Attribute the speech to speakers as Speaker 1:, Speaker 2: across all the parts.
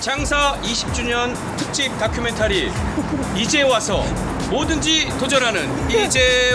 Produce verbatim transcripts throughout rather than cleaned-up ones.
Speaker 1: 장사 이십 주년 특집 다큐멘터리 이제 와서 뭐든지 도전하는 이제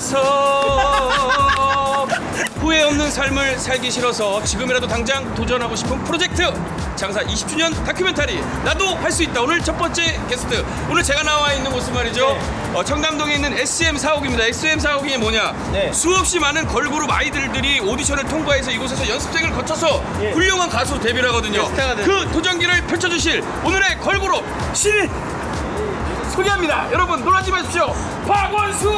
Speaker 1: 와서 후회 없는 삶을 살기 싫어서 지금이라도 당장 도전하고 싶은 프로젝트 장사 이십 주년 다큐멘터리 나도 할 수 있다. 오늘 첫 번째 게스트, 오늘 제가 나와 있는 곳은 말이죠,
Speaker 2: 네.
Speaker 1: 어, 청담동에 있는 에스엠 사옥입니다. 에스엠 사옥이 뭐냐,
Speaker 2: 네.
Speaker 1: 수없이 많은 걸그룹 아이들들이 오디션을 통과해서 이곳에서 연습생을 거쳐서
Speaker 2: 예.
Speaker 1: 훌륭한 가수로 데뷔를 하거든요.
Speaker 2: 네, 스타가 되는.
Speaker 1: 그 도전기를 펼쳐주실 오늘의 걸그룹 신인 소개합니다. 여러분 놀라지 마십시오. 박원수.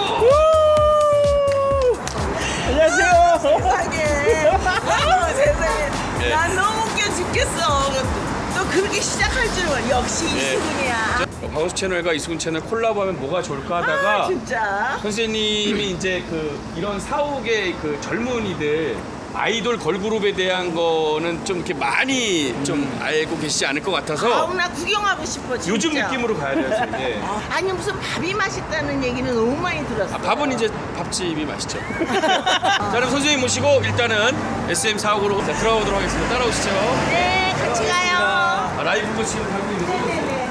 Speaker 2: 안녕하세요.
Speaker 3: 세상에. 어머, 세상에.
Speaker 1: 예.
Speaker 3: 난 너무 웃겨 죽겠어. 또 그렇게 시작할 줄은 몰라. 역시
Speaker 1: 예.
Speaker 3: 이수근이야.
Speaker 1: 박원수 채널과 이수근 채널 콜라보하면 뭐가 좋을까 하다가
Speaker 3: 아, 진짜.
Speaker 1: 선생님이 이제 그 이런 사옥의 그 젊은이들 아이돌 걸그룹에 대한 거는 좀 이렇게 많이 좀 알고 계시지 않을 것 같아서
Speaker 3: 아우, 나 구경하고 싶어, 진짜.
Speaker 1: 요즘 느낌으로 가야 돼요. 지금. 예.
Speaker 3: 아, 아니, 무슨 밥이 맛있다는 얘기는 너무 많이 들었어.
Speaker 1: 아, 밥은 이제 밥집이 맛있죠. 자, 그럼 선생님 모시고 일단은 에스엠 사옥으로 자, 들어가 보도록 하겠습니다. 따라오시죠.
Speaker 3: 네, 같이 가요.
Speaker 1: 아, 라이브도 지금 하고 있는 거죠?
Speaker 3: 네네네.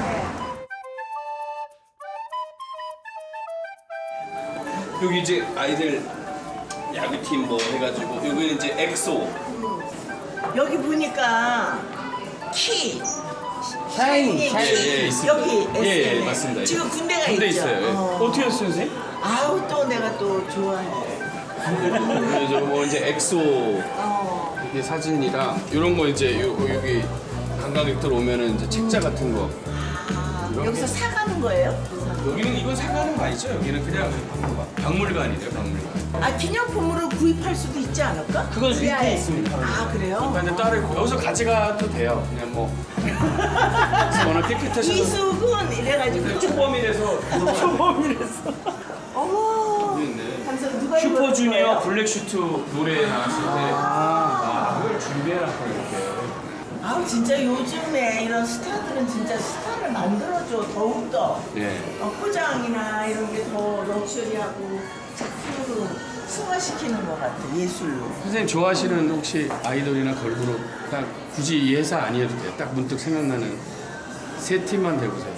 Speaker 1: 여기 이제 아이들 야구팀 뭐 해가지고 여기는 이제 엑소.
Speaker 3: 여기 보니까 키.
Speaker 2: 샤이니,
Speaker 3: 샤이니.
Speaker 1: 예, 예, 있습니다.
Speaker 3: 여기
Speaker 1: 예, 예,
Speaker 3: 에스엠에.
Speaker 1: 맞습니다.
Speaker 3: 지금 군대가
Speaker 1: 군대
Speaker 3: 있죠.
Speaker 1: 있어요. 예.
Speaker 3: 어.
Speaker 1: 어떻게 했어요, 선생님?
Speaker 3: 아우, 또 내가 또 좋아해.
Speaker 1: 그래서 뭐 이제 엑소
Speaker 3: 어.
Speaker 1: 이게 사진이랑 이런 거 이제 요, 여기 관광객들 오면은 이제 책자 같은 거.
Speaker 3: 아,
Speaker 1: 이런
Speaker 3: 여기서
Speaker 1: 게-
Speaker 3: 사가는 거예요?
Speaker 1: 여기는 이건 사가는 거 아니죠? 여기는 그냥 박물관이래요, 박물관.
Speaker 3: 아, 기념품으로 구입할 수도 있지 않을까?
Speaker 2: 그건 수입돼
Speaker 3: 위아래.
Speaker 2: 있습니다.
Speaker 3: 아, 그래요?
Speaker 1: 근데 따로 여기서 가져가도 돼요. 그냥 뭐. 그래서 오늘 깨끗하셔서
Speaker 3: 이수근 이래가지고
Speaker 1: 초범이라서
Speaker 2: 초범이랬어.
Speaker 3: 어머.
Speaker 1: 여기 있네.
Speaker 3: 하면서 누가
Speaker 1: 슈퍼주니어
Speaker 3: 입었어요?
Speaker 1: 블랙슈트 노래 나왔을 때 아, 그걸 준비해놨고 이렇게.
Speaker 3: 아우, 진짜 요즘에 이런 스타들은 진짜 스타를 만들어줘. 더욱더
Speaker 1: 예.
Speaker 3: 어, 포장이나 이런 게 더 럭셔리하고 작품으로 승화시키는 것 같아, 예술로.
Speaker 1: 선생님 좋아하시는 혹시 아이돌이나 걸그룹 딱 굳이 이 회사 아니어도 돼요. 딱 문득 생각나는 세 팀만 대보세요.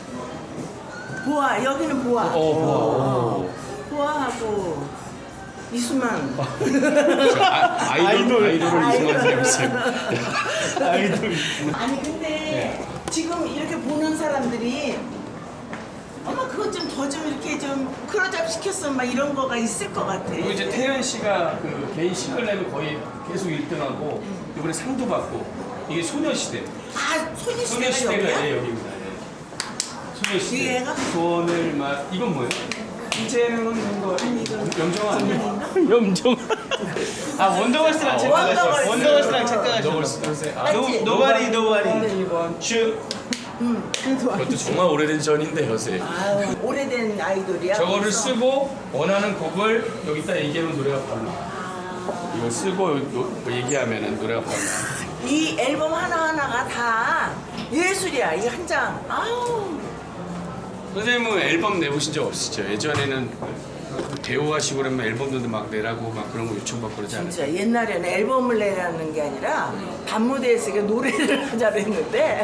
Speaker 3: 보아, 여기는 보아.
Speaker 1: 어,
Speaker 3: 보아하고 이수만.
Speaker 1: 저 아, 아이돌,
Speaker 2: 아이돌.
Speaker 1: 아이돌을 이승환 생각했어요.
Speaker 2: 아이돌.
Speaker 3: 아니, 근데 지금 이렇게 보는 사람들이 어머, 그거 좀 더 좀 이렇게 좀 크로잡 시켰으면 막 이런 거가 있을 것 같아.
Speaker 1: 그리고 이제 태연 씨가 그 개인 싱글 내면 거의 계속 일 등하고 이번에 상도 받고 이게 소녀시대.
Speaker 3: 아, 소녀시대가
Speaker 1: 소녀시대가
Speaker 3: 여기야?
Speaker 1: 예, 여기입니다. 예. 소녀시대.
Speaker 3: 얘가?
Speaker 1: 손을 막 이건 뭐예요? 이제는 없는 거. 영정아 아니에요?
Speaker 2: 염정. 아 원더걸스랑
Speaker 3: 원더걸스.
Speaker 2: 착각하셨어. 원더걸스랑
Speaker 1: 너걸
Speaker 2: 착각하셨어.
Speaker 1: 쓰세요. 아,
Speaker 3: 맞지?
Speaker 2: 노바리 노바리.
Speaker 1: 슈.
Speaker 3: 응, 그래도
Speaker 1: 그것도 정말 오래된 전인데 요새.
Speaker 3: 아유, 오래된 아이돌이야.
Speaker 1: 저거를
Speaker 3: 그래서.
Speaker 1: 쓰고 원하는 곡을 여기다 얘기하면 노래가 바로 나.
Speaker 3: 아,
Speaker 1: 이걸 쓰고 노, 뭐 얘기하면은 노래가 바로 나.
Speaker 3: 이 앨범 하나하나가 다 예술이야, 이 한 장. 아우.
Speaker 1: 선생님은 앨범 내보신 적 없으시죠? 예전에는 배우 하시고 그러면 앨범도 막 내라고 막 그런 거 요청받고 그러지 않아요?
Speaker 3: 진짜 옛날에는 앨범을 내라는 게 아니라 밤무대에서 이렇게 노래를 하자고 했는데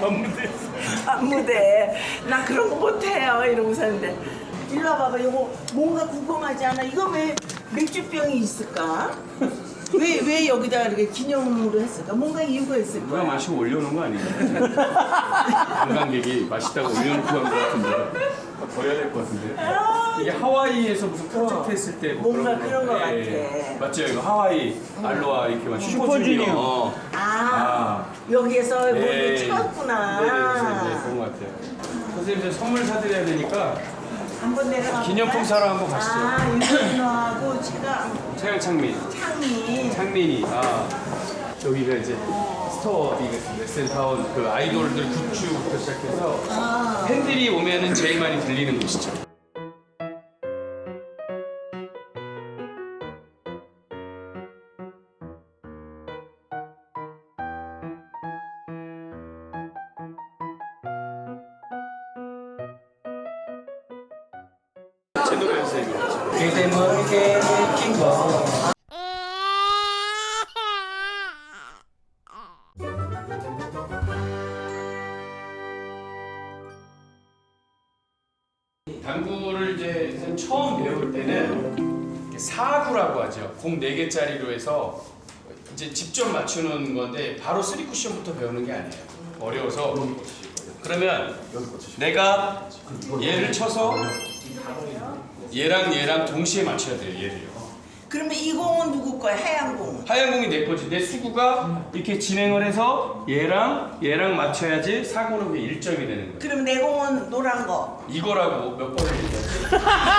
Speaker 3: 밤무대 나 그런 거 못해요 이러고서 했는데 일로 와봐봐. 이거 뭔가 궁금하지 않아? 이거 왜 맥주병이 있을까? 왜, 왜 여기다 이렇게 기념으로 했을까? 뭔가 이유가 있을
Speaker 1: 누가
Speaker 3: 거야.
Speaker 1: 마시고 올려놓은 거 아니에요? 관광객이 마시다가 올려놓고 간 거 같은데 버려야 될 것 같은데 이게 하와이에서 무슨 프로젝트 했을 때 뭐
Speaker 3: 뭔가
Speaker 1: 그런
Speaker 3: 그런 거 같아.
Speaker 1: 예. 맞죠? 이거 하와이 알로하 이렇게 막
Speaker 2: 슈퍼주니어.
Speaker 1: 슈퍼주니어
Speaker 3: 아,
Speaker 1: 아.
Speaker 3: 여기에서 뭘
Speaker 1: 예.
Speaker 3: 찍었구나.
Speaker 1: 네, 그래서 이제 그런 것 같아요. 선생님 저 선물 사드려야 되니까
Speaker 3: 한번 내려가.
Speaker 1: 기념품 사러 한번 가시죠.
Speaker 3: 아, 윤준호하고 제가
Speaker 1: 최강창민
Speaker 3: 창이.
Speaker 1: 창민이 아 여기가 이제 스토어이거든요. 에스엠타운 그 아이돌들 굿즈부터 시작해서
Speaker 3: 아.
Speaker 1: 팬들이 오면은 제일 많이 들리는 곳이죠. 제 노래 선생님이죠.
Speaker 2: 그대 모르게 느낀 거.
Speaker 1: 사구라고 하죠. 공 네 개짜리로 해서 이제 직접 맞추는 건데 바로 쓰리 쿠션부터 배우는 게 아니에요. 어려워서. 그러면 내가 얘를 쳐서 얘랑 얘랑 동시에 맞춰야 돼요. 얘를요.
Speaker 3: 그러면 이 공은 누구 거야? 하얀 공.
Speaker 1: 하얀 공이 내 거지. 내 수구가 이렇게 진행을 해서 얘랑 얘랑 맞춰야지 사구는 그게 일 점이 되는 거야.
Speaker 3: 그럼 내 공은 노란 거.
Speaker 1: 이거라고 몇 번을 얘기했지?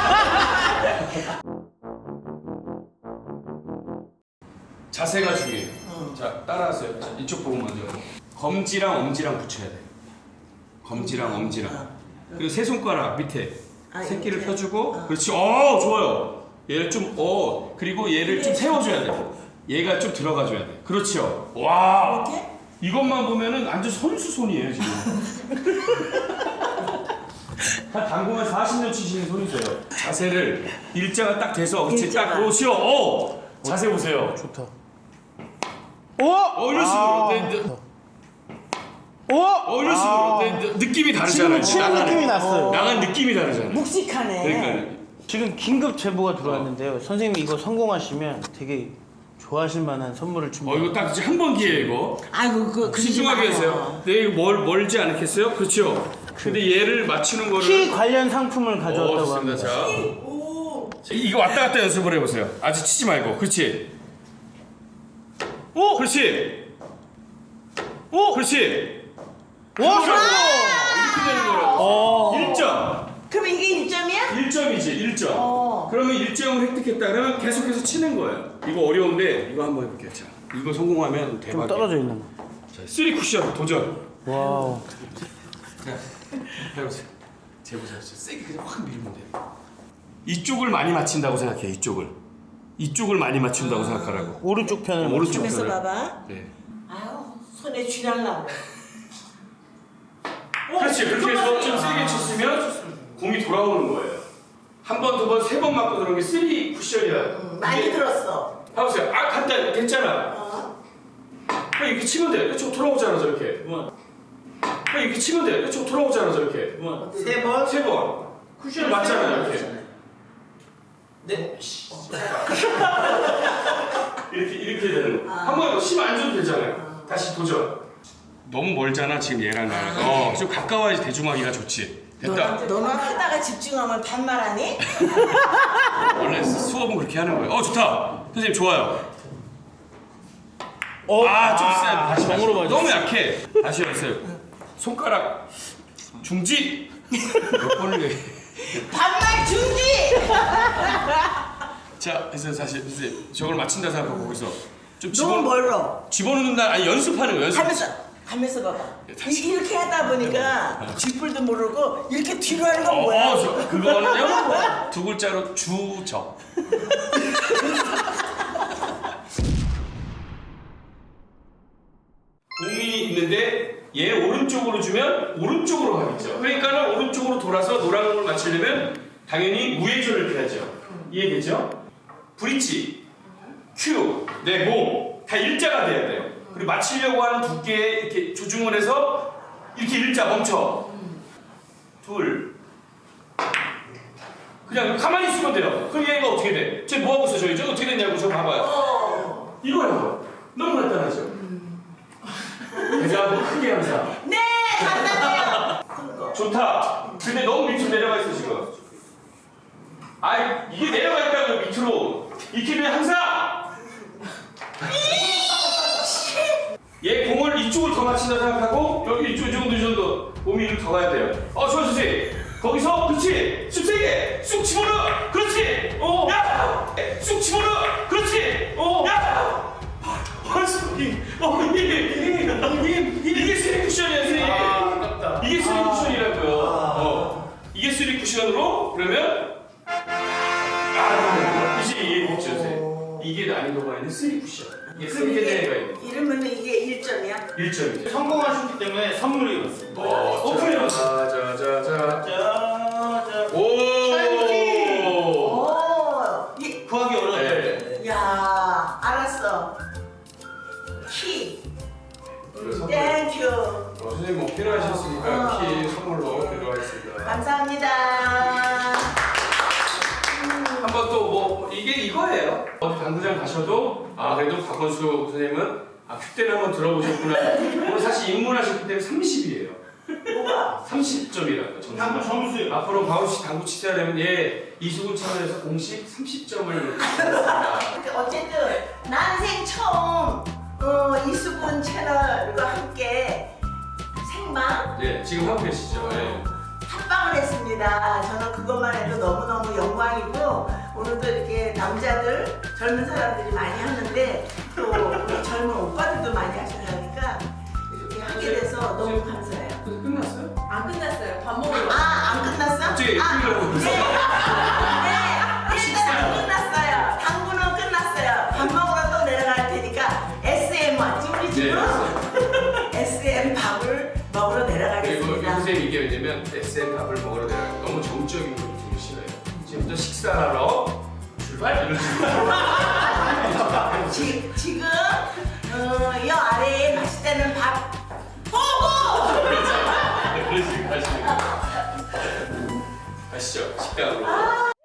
Speaker 1: 자세가 중요해요.
Speaker 3: 응.
Speaker 1: 자, 따라하세요. 자, 이쪽 보고 먼저. 검지랑 엄지랑 붙여야 돼. 검지랑 엄지랑. 그리고 세 손가락 밑에
Speaker 3: 아,
Speaker 1: 새끼를
Speaker 3: 이렇게?
Speaker 1: 펴주고.
Speaker 3: 어.
Speaker 1: 그렇지. 어, 좋아요. 얘를 좀, 어, 그리고 얘를 좀 세워줘야 돼. 얘가 좀 들어가줘야 돼. 그렇죠. 와.
Speaker 3: 이렇게?
Speaker 1: 이것만 보면은 완전 선수 손이에요 지금. 한 당구만 사십 년 치시는 손이세요. 자세를 일자가 딱 돼서 그렇지
Speaker 3: 일자가.
Speaker 1: 딱 그러시오. 어 자세 보세요.
Speaker 4: 좋다.
Speaker 1: 어? 어 이런 식으로. 네, 네.
Speaker 4: 오!
Speaker 1: 어 이런 식으로. 네, 네. 느낌이 다르잖아요.
Speaker 4: 치는
Speaker 1: 나가는-
Speaker 4: 느낌이 났어요.
Speaker 1: 나간 느낌이 다르잖아요.
Speaker 3: 묵직하네.
Speaker 1: 그러니까
Speaker 4: 지금 긴급 제보가 들어왔는데요. 선생님이 이거 성공하시면 되게 좋아하실 만한 선물을
Speaker 1: 어
Speaker 4: 준비해요.
Speaker 1: 이거 딱 한 번 기회 이거.
Speaker 3: 아이고 그 그러지
Speaker 1: 신중하게
Speaker 3: 마요.
Speaker 1: 하세요. 네 이거 멀 멀지 않겠어요? 그렇죠. 근데 얘를 맞추는 거를.
Speaker 4: 키 관련 상품을
Speaker 1: 어,
Speaker 4: 가져왔다고
Speaker 1: 좋습니다.
Speaker 4: 합니다.
Speaker 1: 자.
Speaker 3: 오.
Speaker 1: 이거 왔다 갔다 연습을 해보세요. 아직 치지 말고. 그렇지. 오! 그렇지. 오! 그렇지.
Speaker 4: 와!
Speaker 1: 그거라고. 이렇게 되는 거라고.
Speaker 4: 어.
Speaker 1: 일 점.
Speaker 3: 그럼 이게 일 점이야?
Speaker 1: 일 점이지. 일 점.
Speaker 3: 어.
Speaker 1: 그러면 일 점을 획득했다. 그러면 계속해서 치는 거예요. 이거 어려운데 이거 한번 해볼게요. 자, 이거 성공하면
Speaker 4: 좀
Speaker 1: 대박이에요.
Speaker 4: 떨어져 있는 거.
Speaker 1: 자, 쓰리 쿠션 도전.
Speaker 4: 와우.
Speaker 1: 자, 해보세요. 재보세요. 세게 그냥 확 밀면 돼요. 이쪽을 많이 맞춘다고 생각해. 이쪽을. 이쪽을 많이 맞춘다고 생각하라고.
Speaker 4: 오른쪽 편을
Speaker 1: 오른쪽
Speaker 3: 집에서
Speaker 1: 편을.
Speaker 3: 봐봐.
Speaker 1: 네.
Speaker 3: 아유 손에 쥐날라고.
Speaker 1: 그렇지. 그렇게 해서 좀 세게 쳤으면 공이 돌아오는 거예요. 한 번, 두 번, 세 번 맞고 들어온 게 쓰리 쿠션이야.
Speaker 3: 음, 많이
Speaker 1: 이게-
Speaker 3: 들었어.
Speaker 1: 봐보세요. 아, 간단 됐잖아.
Speaker 3: 어?
Speaker 1: 그냥 이렇게 치면 돼. 이쪽 돌아오잖아, 저렇게. 그냥 이렇게 치면 돼. 이쪽 돌아오잖아, 저렇게.
Speaker 3: 세 번.
Speaker 1: 세 번. 쿠션을 맞잖아요, 이렇게.
Speaker 3: 네.
Speaker 1: 이렇게 이렇게 되는 거. 한번 힘안 줘도 되잖아요. 다시 도전. 너무 멀잖아, 지금 얘랑 나랑. 어, 좀 가까워야지 대중하기가 좋지. 됐다.
Speaker 3: 너는, 너는 하다가 집중하면 반말하니?
Speaker 1: 원래 수업은 그렇게 하는 거예요. 어, 좋다. 선생님 좋아요.
Speaker 4: 어?
Speaker 1: 아, 좀 세. 다시
Speaker 4: 정으로
Speaker 1: 다시.
Speaker 4: 맞았어.
Speaker 1: 너무 약해. 다시 하세요. 손가락 중지. 몇 번을 해.
Speaker 3: 반말 중지!
Speaker 1: 자, 그래서 사실 선생님 저걸 맞춘다 생각하고 거기서 좀
Speaker 3: 너무
Speaker 1: 집어
Speaker 3: 멀어.
Speaker 1: 집어넣는 날 아니 연습하는 거 연습.
Speaker 3: 하면서 하면서 봐봐.
Speaker 1: 다시.
Speaker 3: 이, 이렇게 하다 보니까 쥐뿔도 모르고 이렇게 뒤로 하는 건
Speaker 1: 어,
Speaker 3: 뭐야?
Speaker 1: 어, 저, 그거는요 두 글자로 주적. 공이 있는데 얘 오른쪽으로 주면 오른쪽으로 가겠죠. 그러니까는 오른쪽으로 돌아서 노란 공을 맞추려면 당연히 우회전을 펴야죠. 이해되죠? 브릿지, 큐, 내 몸 다 일자가 돼야 돼요. 그리고 맞추려고 하는 두께에 이렇게 조중을 해서 이렇게 일자 멈춰. 둘. 그냥 가만히 있으면 돼요. 그럼 얘가 어떻게 돼? 쟤 뭐 하고 있어 저기? 저 어떻게 됐냐고 저 봐봐요.
Speaker 3: 어.
Speaker 1: 이거요. 너무 간단하죠? 대자도 크게 항상.
Speaker 3: 네, 간단해요.
Speaker 1: 좋다. 근데 너무 밑으로 내려가 있어 지금. 아이 이게 내려가 있다고요 밑으로. 이렇게 되면 항상. 얘 공을 이쪽을 더 맞춘다 생각하고 여기 이쪽 이 정도 이 정도 몸이 이렇게 더 가야 돼요. 어 좋아 선생님. 거기서 그렇지. 쑥 세게 쑥 집어넣어. 그렇지. 어. 야. 쑥 집어넣어. 그렇지. 어. 야. 원숭이. 어 이게 이게 이게 이게 쓰리 쿠션이야 선생님.
Speaker 2: 아깝다.
Speaker 1: 이게 쓰리 쿠션이라고요. 어. 이게 쓰리 쿠션으로 그러면 아 이제 이해했죠 선생님. 이게 난이도가 있는 쓰리 쿠션. 이게 쓰리 개가 있는
Speaker 3: 이러면 이게 일 점이야?
Speaker 1: 일 점이죠.
Speaker 2: 성공하셨기 때문에 선물이 왔습니다.
Speaker 1: 어, 오픈해봐. 자자자자.
Speaker 2: 짜자.
Speaker 1: 오.
Speaker 3: 오. 이,
Speaker 2: 구하기 어려웠다.
Speaker 1: 네.
Speaker 3: 야, 알았어. 키.
Speaker 1: 선물.
Speaker 3: 땡큐.
Speaker 1: 어, 선생님 뭐 필요하셨으니까
Speaker 3: 어.
Speaker 1: 키 선물로 드리겠습니다.
Speaker 3: 감사합니다.
Speaker 1: 한번 또 뭐 이게 이거 이거예요. 어디 당구장 가셔도 아 그래도 박원수 선생님은 아 큐대는 한번 들어보셨구나. 오늘 사실 입문하셨기 때문에 삼십이에요.
Speaker 3: 뭐가?
Speaker 1: 삼십 점이라고
Speaker 2: 당구
Speaker 1: 점수.
Speaker 2: 점수요.
Speaker 1: 앞으로 박원수 씨 당구 치셔야 되면 예 이수근 채널에서 공식 삼십 점을 드리겠습니다.
Speaker 3: 어쨌든 난생 처음 어, 이수근 채널과 함께 생방
Speaker 1: 예 지금 하고 계시죠. 예.
Speaker 3: 합방을 했습니다. 저는 그것만 해도 너무너무 영광이고 오늘도 이렇게 남자들 젊은 사람들이 많이 하는데 또 우리 젊은 오빠들도 많이 하시려니까 이렇게 하게 돼서 너무 감사해요.
Speaker 1: 그래서 끝났어요?
Speaker 5: 안 끝났어요. 밥 먹으러.
Speaker 3: 아, 안 끝났어?
Speaker 1: 갑자기
Speaker 3: 아,
Speaker 1: 끝나고
Speaker 3: 네. 네, 일단 안 끝났어요. 당구는 끝났어요. 밥 먹으러 또 내려갈 테니까 에스엠 왔지 우리
Speaker 1: 네.
Speaker 3: 집은? 에스엠 밥을 먹으러
Speaker 1: 그리고 이
Speaker 3: 내려가겠습니다.
Speaker 1: 선생님 이게 왜냐면 에스엠 밥을 먹으러 내가 너무 정적인 걸 되게 싫어요. 지금부터 식사하러 출발 이런 식으로.
Speaker 3: 지, 지금 어, 이 아래에 맛있다는 밥 보고!
Speaker 1: 그런 식으로 하시면 가시죠 식당으로.